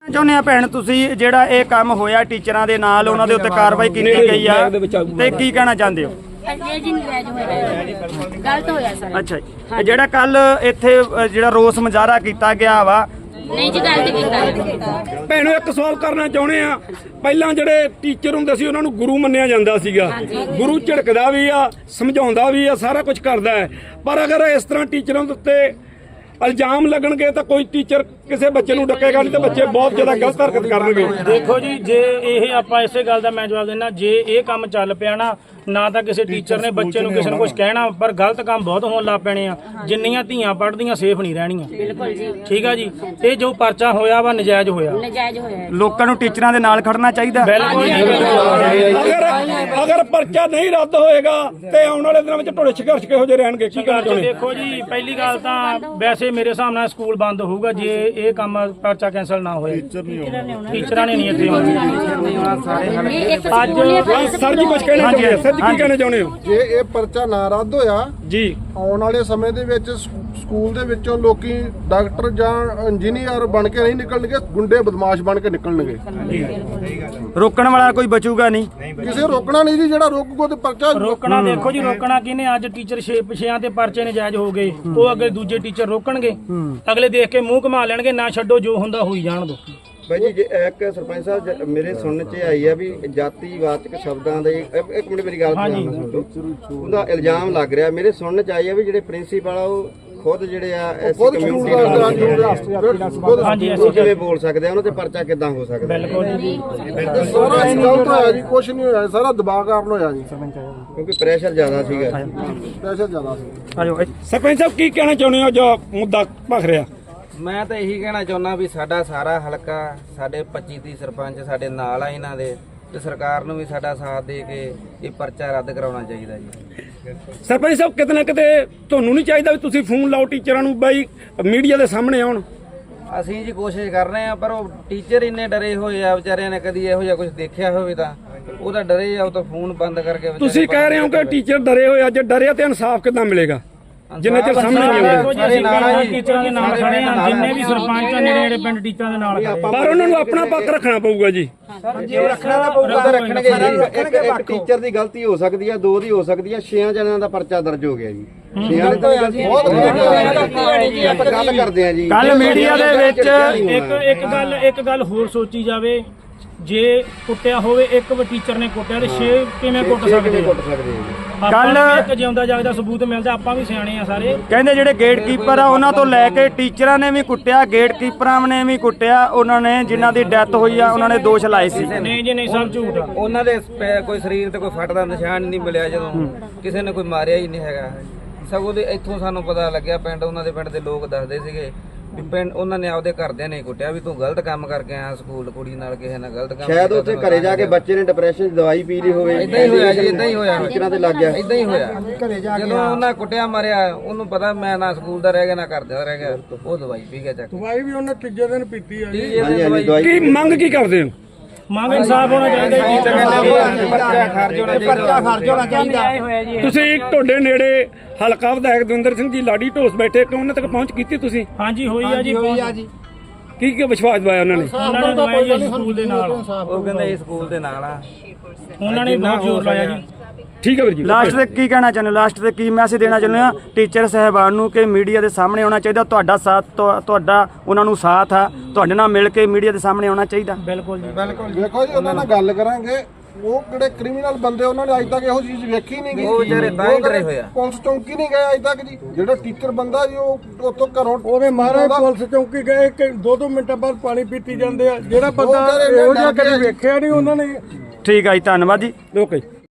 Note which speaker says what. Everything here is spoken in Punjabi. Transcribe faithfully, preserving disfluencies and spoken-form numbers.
Speaker 1: ਚਾਹੁੰਦੇ ਆ ਭੈਣ ਤੁਸੀਂ ਜਿਹੜਾ ਇਹ ਕੰਮ ਹੋਇਆ ਟੀਚਰਾਂ ਦੇ ਨਾਲ ਉਹਨਾਂ ਦੇ ਉੱਤੇ ਕਾਰਵਾਈ ਕੀਤੀ ਗਈ ਆ ਤੇ ਕੀ ਕਹਿਣਾ ਚਾਹੁੰਦੇ ਹੋ?
Speaker 2: ਗਲਤ ਹੋਇਆ ਸਰ।
Speaker 1: ਅੱਛਾ ਜੀ, ਜਿਹੜਾ ਕੱਲ ਇੱਥੇ ਜਿਹੜਾ ਰੋਸ ਮੁਜ਼ਾਹਰਾ ਕੀਤਾ ਗਿਆ ਵਾ
Speaker 2: ਨਹੀਂ ਜੀ ਗਲਤ ਕੀਤਾ।
Speaker 3: ਭੈਣੋ ਇੱਕ ਸਵਾਲ ਕਰਨਾ ਚਾਹੁੰਦੇ ਆ, ਪਹਿਲਾਂ ਜਿਹੜੇ ਟੀਚਰ ਹੁੰਦੇ ਸੀ ਉਹਨਾਂ ਨੂੰ ਗੁਰੂ ਮੰਨਿਆ ਜਾਂਦਾ ਸੀਗਾ, ਗੁਰੂ ਝਿੜਕਦਾ ਵੀ ਆ, ਸਮਝਾਉਂਦਾ ਵੀ ਆ, ਸਾਰਾ ਕੁਝ ਕਰਦਾ ਹੈ, ਪਰ ਅਗਰ ਇਸ ਤਰ੍ਹਾਂ ਟੀਚਰਾਂ ਦੇ ਉੱਤੇ ਇਲਜ਼ਾਮ ਲੱਗਣਗੇ ਤਾਂ ਕੋਈ ਟੀਚਰ ਕਿਸੇ ਬੱਚੇ ਨੂੰ ਡੱਕੇਗਾ ਨਹੀਂ ਤੇ ਬੱਚੇ ਬਹੁਤ ਜ਼ਿਆਦਾ ਗਲਤ ਹਰਕਤ ਕਰਨਗੇ।
Speaker 4: ਦੇਖੋ ਜੀ, ਜੇ ਇਹ ਆਪਾਂ ਇਸੇ ਗੱਲ ਦਾ ਮੈਂ ਜਵਾਬ ਦੇਣਾ, ਜੇ ਇਹ ਕੰਮ ਚੱਲ ਪਿਆ ਨਾ, ਨਾ ਤਾਂ ਕਿਸੇ ਟੀਚਰ ਨੇ ਬੱਚੇ ਨੂੰ ਕਿਸੇ ਨੂੰ ਕੁਝ ਕਹਿਣਾ, ਪਰ ਗਲਤ ਕੰਮ ਬਹੁਤ ਹੋਣ ਲੱਗ ਪੈਣੇ ਆ। ਜਿੰਨੀਆਂ ਧੀਆਂ ਪੜ੍ਹਦੀਆਂ ਸੇਫ ਨਹੀਂ ਰਹਿਣੀਆਂ।
Speaker 2: ਬਿਲਕੁਲ ਜੀ,
Speaker 4: ਠੀਕ ਆ ਜੀ। ਇਹ ਜੋ ਪਰਚਾ ਹੋਇਆ ਵਾ ਨਜਾਇਜ਼ ਹੋਇਆ।
Speaker 2: ਨਜਾਇਜ਼ ਹੋਇਆ।
Speaker 1: ਲੋਕਾਂ ਨੂੰ ਟੀਚਰਾਂ ਦੇ ਨਾਲ ਖੜਨਾ ਚਾਹੀਦਾ।
Speaker 4: ਬਿਲਕੁਲ ਜੀ।
Speaker 3: ਅਗਰ ਅਗਰ ਪਰਚਾ ਨਹੀਂ ਰੱਦ ਹੋਏਗਾ ਤੇ ਆਉਣ ਵਾਲੇ ਦਿਨਾਂ ਵਿੱਚ ਢੋਲੇ ਸੰਘਰਸ਼ ਕਿਹੋ ਜਿਹੇ ਰਹਿਣਗੇ, ਕੀ ਕਹਿਣਾ ਚਾਹੁੰਦੇ?
Speaker 4: ਦੇਖੋ ਜੀ, ਪਹਿਲੀ ਗੱਲ ਤਾਂ ਵੈਸੇ ਮੇਰੇ ਹਿਸਾਬ ਨਾਲ ਸਕੂਲ ਬੰਦ ਹੋਊਗਾ ਜੇ ਇਹ ਕੰਮ ਪਰਚਾ ਕੈਂਸਲ ਨਾ ਹੋਇਆ। ਟੀਚਰਾਂ ਨੇ ਨਹੀਂ ਇੱਥੇ
Speaker 3: ਅੱਜ ਸਰ ਜੀ ਕੁਝ ਕਹਿਣਾ ਚਾਹੁੰਦੇ? ਸਰ ਜੀ ਕੀ ਕਹਿਣਾ ਚਾਹੁੰਦੇ ਹੋ?
Speaker 5: ਜੇ ਇਹ ਪਰਚਾ ਨਾ ਰੱਦ ਹੋਇਆ
Speaker 3: ਜੀ, ਆਉਣ
Speaker 5: ਵਾਲੇ ਸਮੇਂ ਦੇ ਵਿੱਚ ਸਕੂਲ ਦੇ ਵਿੱਚੋਂ ਲੋਕੀ ਡਾਕਟਰ ਜਾਂ ਇੰਜੀਨੀਅਰ ਬਣ ਕੇ ਨਹੀਂ ਨਿਕਲਣਗੇ, ਗੁੰਡੇ ਬਦਮਾਸ਼ ਬਣ ਕੇ ਨਿਕਲਣਗੇ।
Speaker 1: ਰੋਕਣ ਵਾਲਾ ਕੋਈ ਬਚੂਗਾ ਨਹੀਂ,
Speaker 5: ਕਿਸੇ ਰੋਕਣਾ ਨਹੀਂ ਜੀ, ਜਿਹੜਾ ਰੋਕੂਗਾ ਤੇ ਪਰਚਾ
Speaker 4: ਰੋਕਣਾ। ਦੇਖੋ ਜੀ, ਰੋਕਣਾ ਕਿਹਨੇ? ਅੱਜ ਟੀਚਰ ਛੇ ਪਿਛਿਆਂ ਤੇ ਪਰਚੇ ਨਜਾਇਜ਼ ਹੋ ਗਏ, ਉਹ ਅੱਗੇ ਦੂਜੇ ਟੀਚਰ ਰੋਕਣਗੇ, ਅਗਲੇ ਦੇਖ ਕੇ ਮੂੰਹ ਘੁਮਾ ਲੈਣਗੇ, ਨਾ ਛੱਡੋ ਜੋ ਹੁੰਦਾ ਹੋਈ ਜਾਣ ਦੋ।
Speaker 6: ਭਾਈ ਜੀ, ਜੇ ਇੱਕ ਸਰਪੰਚ ਸਾਹਿਬ ਮੇਰੇ ਸੁਣਨ ਚ ਆਈ ਆ ਵੀ ਜਾਤੀਵਾਚਕ ਸ਼ਬਦਾਂ ਦੇ, ਇੱਕ ਮਿੰਟ ਮੇਰੀ ਗੱਲ ਸੁਣ ਲਓ, ਉਹਦਾ ਇਲਜ਼ਾਮ ਲੱਗ ਰਿਹਾ, ਮੇਰੇ ਸੁਣਨ ਚ ਆਈ ਆ ਵੀ ਜਿਹੜੇ ਪ੍ਰਿੰਸੀਪਲ ਆ ਉਹ ਖੁਦ ਜਿਹੜੇ ਆ ਐਸੀ ਕਮਿਊਨਿਟੀ ਉਹ ਕਿਵੇਂ ਬੋਲ ਸਕਦੇ ਆ, ਉਹਨਾਂ ਤੇ ਪਰਚਾ ਕਿੱਦਾਂ ਹੋ ਸਕਦਾ?
Speaker 4: ਬਿਲਕੁਲ ਜੀ,
Speaker 5: ਸਾਰਾ ਗਲਤ ਹੋਇਆ ਜੀ, ਕੁਝ ਨਹੀਂ ਹੋਇਆ, ਸਾਰਾ ਦਬਾਅ ਕਾਰਨ ਹੋਇਆ ਜੀ,
Speaker 6: ਕਿਉਂਕਿ ਪ੍ਰੈਸ਼ਰ ਜ਼ਿਆਦਾ ਸੀਗਾ।
Speaker 5: ਪ੍ਰੈਸ਼ਰ ਜ਼ਿਆਦਾ ਸੀ।
Speaker 1: ਆਜੋ
Speaker 3: ਸਰਪੰਚ ਸਾਹਿਬ ਕੀ ਕਹਿਣਾ ਚਾਹੁੰਦੇ ਹੋ ਜੋ ਮੁੱਦਾ ਭਖ ਰਿਹਾ?
Speaker 7: ਮੈਂ ਤਾਂ ਇਹੀ ਕਹਿਣਾ ਚਾਹੁੰਦਾ ਵੀ ਸਾਡਾ ਸਾਰਾ ਹਲਕਾ, ਸਾਡੇ ਪੱਚੀ ਤੀਹ ਸਰਪੰਚ ਸਾਡੇ ਨਾਲ ਆ ਇਹਨਾਂ ਦੇ, ਤੇ ਸਰਕਾਰ ਨੂੰ ਵੀ ਸਾਡਾ ਸਾਥ ਦੇ ਕੇ ਇਹ ਪਰਚਾ ਰੱਦ ਕਰਾਉਣਾ ਚਾਹੀਦਾ ਜੀ।
Speaker 3: ਸਰਪੰਚ ਸਾਹਿਬ ਕਿਤੇ ਨਾ ਕਿਤੇ ਤੁਹਾਨੂੰ ਨਹੀਂ ਚਾਹੀਦਾ ਵੀ ਤੁਸੀਂ ਫੋਨ ਲਾਓ ਟੀਚਰਾਂ ਨੂੰ, ਬਾਈ ਮੀਡੀਆ ਦੇ ਸਾਹਮਣੇ ਆਉਣ?
Speaker 7: ਅਸੀਂ ਜੀ ਕੋਸ਼ਿਸ਼ ਕਰ ਰਹੇ ਆ, ਪਰ ਉਹ ਟੀਚਰ ਇੰਨੇ ਡਰੇ ਹੋਏ ਆ ਵਿਚਾਰਿਆਂ ਨੇ, ਕਦੀ ਇਹੋ ਜਿਹਾ ਕੁਝ ਦੇਖਿਆ ਹੋਵੇ ਤਾਂ ਉਹ ਤਾਂ ਡਰੇ ਆ, ਉਹ ਤਾਂ ਫੋਨ ਬੰਦ ਕਰਕੇ। ਤੁਸੀਂ
Speaker 3: ਕਹਿ ਰਹੇ ਹੋ ਕਿ ਟੀਚਰ ਡਰੇ ਹੋਏ ਆ, ਜੇ ਡਰਿਆ ਤੇ ਇਨਸਾਫ ਕਿੱਦਾਂ ਮਿਲੇਗਾ ਜਿੰਨੇ ਚਿਰ ਸਾਹਮਣੇ ਨਹੀਂ ਆਉਂਦੇ?
Speaker 4: ਟੀਚਰਾਂ ਦੇ ਨਾਲ ਖੜੇ ਆ, ਜਿੰਨੇ ਵੀ ਸਰਪੰਚ ਆ ਨੇੜੇ ਨੇੜੇ ਪਿੰਡ ਟੀਚਰਾਂ ਦੇ ਨਾਲ,
Speaker 3: ਪਰ ਉਹਨਾਂ ਨੂੰ ਆਪਣਾ ਪੱਖ ਰੱਖਣਾ ਪਊਗਾ ਜੀ।
Speaker 6: ਰੱਖਣਾ ਤਾਂ ਪਊਗਾ, ਰੱਖਣਗੇ ਜੀ। ਇੱਕ ਟੀਚਰ ਦੀ ਗਲਤੀ ਹੋ ਸਕਦੀ ਆ, ਦੋ ਦੀ ਹੋ ਸਕਦੀ ਆ, ਛੇਆਂ ਜਣਿਆਂ ਦਾ ਪਰਚਾ ਦਰਜ ਹੋ ਗਿਆ ਜੀ। ਛੇਆਂ ਨੇ ਤਾਂ ਬਹੁਤ ਆਪਾਂ ਗੱਲ ਕਰਦੇ ਆ ਜੀ।
Speaker 1: ਕੱਲ ਮੀਡੀਆ ਦੇ ਵਿੱਚ
Speaker 4: ਇੱਕ ਇੱਕ ਗੱਲ ਇੱਕ ਗੱਲ ਹੋਰ ਸੋਚੀ ਜਾਵੇ, ਜੇ ਕੁੱਟਿਆ ਹੋਵੇ ਇੱਕ ਟੀਚਰ ਨੇ ਕੁੱਟਿਆ ਤੇ ਛੇ ਕਿਵੇਂ ਕੁੱਟ ਸਕਦੇ? ਕੱਲ ਇੱਕ ਜਿਉਂਦਾ ਜਾਗਦਾ ਸਬੂਤ ਮਿਲਦਾ, ਆਪਾਂ ਵੀ ਸਿਆਣੇ ਆ ਸਾਰੇ।
Speaker 1: ਕਹਿੰਦੇ ਜਿਹੜੇ ਗੇਟ ਕੀਪਰ ਆ ਉਹਨਾਂ ਤੋਂ ਲੈ ਕੇ ਟੀਚਰਾਂ ਨੇ ਵੀ ਕੁੱਟਿਆ, ਗੇਟ ਕੀਪਰਾਂ ਨੇ ਵੀ ਕੁੱਟਿਆ, ਉਹਨਾਂ ਨੇ ਜਿਨ੍ਹਾਂ ਦੀ ਡੈਥ ਹੋਈ ਆ ਉਹਨਾਂ ਨੇ ਦੋਸ਼ ਲਾਏ ਸੀ।
Speaker 4: ਨਹੀਂ ਜੀ, ਨਹੀਂ, ਸਭ ਝੂਠ ਆ।
Speaker 7: ਉਹਨਾਂ ਦੇ ਕੋਈ ਸਰੀਰ ਤੇ ਕੋਈ ਫੱਟ ਦਾ ਨਿਸ਼ਾਨ ਨਹੀਂ ਮਿਲਿਆ, ਜਦੋਂ ਕਿਸੇ ਨੇ ਕੋਈ ਮਾਰਿਆ ਹੀ ਨਹੀਂ ਹੈਗਾ। ਸਗੋਂ ਦੇ ਇੱਥੋਂ ਸਾਨੂੰ ਪਤਾ ਲੱਗਿਆ, ਪਿੰਡ ਉਹਨਾਂ ਦੇ ਪਿੰਡ ਦੇ ਲੋਕ ਦੱਸਦੇ ਸੀਗੇ ਵੀ ਪਿੰਡ ਉਹਨਾਂ ਨੇ ਆਪਦੇ ਘਰਦਿਆਂ ਨੇ ਕੁੱਟਿਆ ਵੀ ਤੂੰ ਗਲਤ ਕੰਮ ਕਰਕੇ ਆਇਆ ਸਕੂਲ, ਕੁੜੀ ਨਾਲ ਕਿਸੇ ਨਾਲ ਗਲਤ ਕੰਮ।
Speaker 6: ਸ਼ਾਇਦ ਉੱਥੇ ਘਰੇ ਜਾ ਕੇ ਬੱਚੇ ਨੇ ਡਿਪਰੈਸ਼ਨ ਦੀ ਦਵਾਈ ਪੀ ਲਈ ਹੋਵੇ।
Speaker 7: ਇਦਾਂ ਹੀ ਹੋਇਆ ਜੀ, ਇਦਾਂ ਹੀ ਹੋਇਆ,
Speaker 6: ਟੀਚਰਾਂ ਤੇ ਲੱਗ ਗਿਆ,
Speaker 7: ਇਦਾਂ ਹੀ ਹੋਇਆ। ਜਦੋਂ ਉਹਨਾਂ ਕੁੱਟਿਆ ਮਾਰਿਆ, ਉਹਨੂੰ ਪਤਾ ਮੈਂ ਨਾ ਸਕੂਲ ਦਾ ਰਹਿ ਗਿਆ ਨਾ ਘਰ ਦਾ ਰਹਿ ਗਿਆ, ਉਹ ਦਵਾਈ ਪੀ ਗਿਆ ਚੱਕ।
Speaker 5: ਦਵਾਈ ਵੀ ਉਹਨੇ ਤੀਜੇ ਦਿਨ ਪੀਤੀ ਆ ਜੀ।
Speaker 6: ਹਾਂਜੀ ਹਾਂਜੀ ਦਵਾਈ।
Speaker 3: ਕੀ ਮੰਗ ਕੀ ਕਰਦੇ ਹੋ?
Speaker 4: ਮੰਗ ਇਨਸਾਫ ਹੋਣਾ ਚਾਹੀਦਾ ਜੀ।
Speaker 7: ਪਰਚਾ ਖਰਚ ਹੋਣਾ ਚਾਹੀਦਾ।
Speaker 3: ਤੁਸੀਂ ਤੁਹਾਡੇ ਨੇੜੇ ਹਲਕਾ ਵਿਧਾਇਕ ਦਵਿੰਦਰ ਸਿੰਘ ਜੀ ਲਾਡੀ ਢੋਸ ਬੈਠੇ, ਕਿ ਉਹਨਾਂ ਤੱਕ ਪਹੁੰਚ ਕੀਤੀ ਤੁਸੀਂ?
Speaker 4: ਹਾਂਜੀ ਹੋਈ ਆ ਜੀ, ਹੋਈ ਆ ਜੀ।
Speaker 3: ਕੀ ਕੀ ਵਿਸ਼ਵਾਸ ਦਵਾਇਆ ਉਹਨਾਂ ਨੇ?
Speaker 4: ਉਹਨਾਂ ਨੇ ਦਵਾਈ ਜੀ ਸਕੂਲ ਦੇ ਨਾਲ,
Speaker 7: ਉਹ ਕਹਿੰਦੇ ਇਹ ਸਕੂਲ ਦੇ ਨਾਲ ਆ,
Speaker 4: ਉਹਨਾਂ ਨੇ ਬਹੁਤ ਜ਼ੋਰ ਲਾਇਆ ਜੀ।
Speaker 3: ਠੀਕ ਹੈ ਵੀਰ ਜੀ।
Speaker 1: ਲਾਸਟ ਤੇ ਕੀ ਕਹਿਣਾ ਚਾਹੁੰਦੇ? ਲਾਸਟ ਤੇ ਕੀ ਮੈਸੇਜ ਦੇਣਾ ਚਾਹੁੰਦੇ ਆ ਟੀਚਰ ਸਾਹਿਬਾਨ ਨੂੰ ਕਿ ਮੀਡੀਆ ਦੇ ਸਾਹਮਣੇ ਆਉਣਾ ਚਾਹੀਦਾ, ਤੁਹਾਡਾ ਸਾਥ ਤੁਹਾਡਾ ਉਹਨਾਂ ਨੂੰ ਸਾਥ ਆ, ਤੁਹਾਡੇ ਨਾਲ ਮਿਲ ਕੇ ਮੀਡੀਆ ਦੇ ਸਾਹਮਣੇ ਆਉਣਾ ਚਾਹੀਦਾ?
Speaker 4: ਬਿਲਕੁਲ ਜੀ,
Speaker 5: ਬਿਲਕੁਲ। ਦੇਖੋ ਜੀ, ਉਹਨਾਂ ਨਾਲ ਗੱਲ ਕਰਾਂਗੇ, ਉਹ ਕਿਹੜੇ ਕ੍ਰਿਮੀਨਲ ਬੰਦੇ, ਉਹਨਾਂ ਨੇ ਅੱਜ ਤੱਕ ਇਹੋ ਚੀਜ਼ ਵੇਖੀ ਨਹੀਂ ਗਈ।
Speaker 7: ਉਹ ਵਿਚਾਰੇ ਤਾਂ ਹੀ ਡਰੇ ਹੋਏ ਆ।
Speaker 5: ਪੁਲਿਸ ਚੌਂਕੀ ਨਹੀਂ ਗਏ ਅੱਜ ਤੱਕ ਜੀ। ਜਿਹੜਾ ਟੀਚਰ ਬੰਦਾ ਜੀ ਉਹ ਉੱਥੋਂ ਘਰੋਂ
Speaker 8: ਉਹਦੇ ਮਾਰੇ ਪੁਲਿਸ ਚੌਂਕੀ ਗਏ ਕਿ ਦੋ ਦੋ ਮਿੰਟਾਂ ਬਾਅਦ ਪਾਣੀ ਪੀਤੀ ਜਾਂਦੇ ਆ। ਜਿਹੜਾ ਬੰਦਾ ਇਹੋ ਜਿਹਾ ਕਦੇ ਵੇਖਿਆ ਨਹੀਂ ਉਹਨਾਂ ਨੇ।
Speaker 1: ਠੀਕ ਆ ਜੀ, ਧੰਨਵਾਦ ਜੀ।
Speaker 3: ਓਕੇ।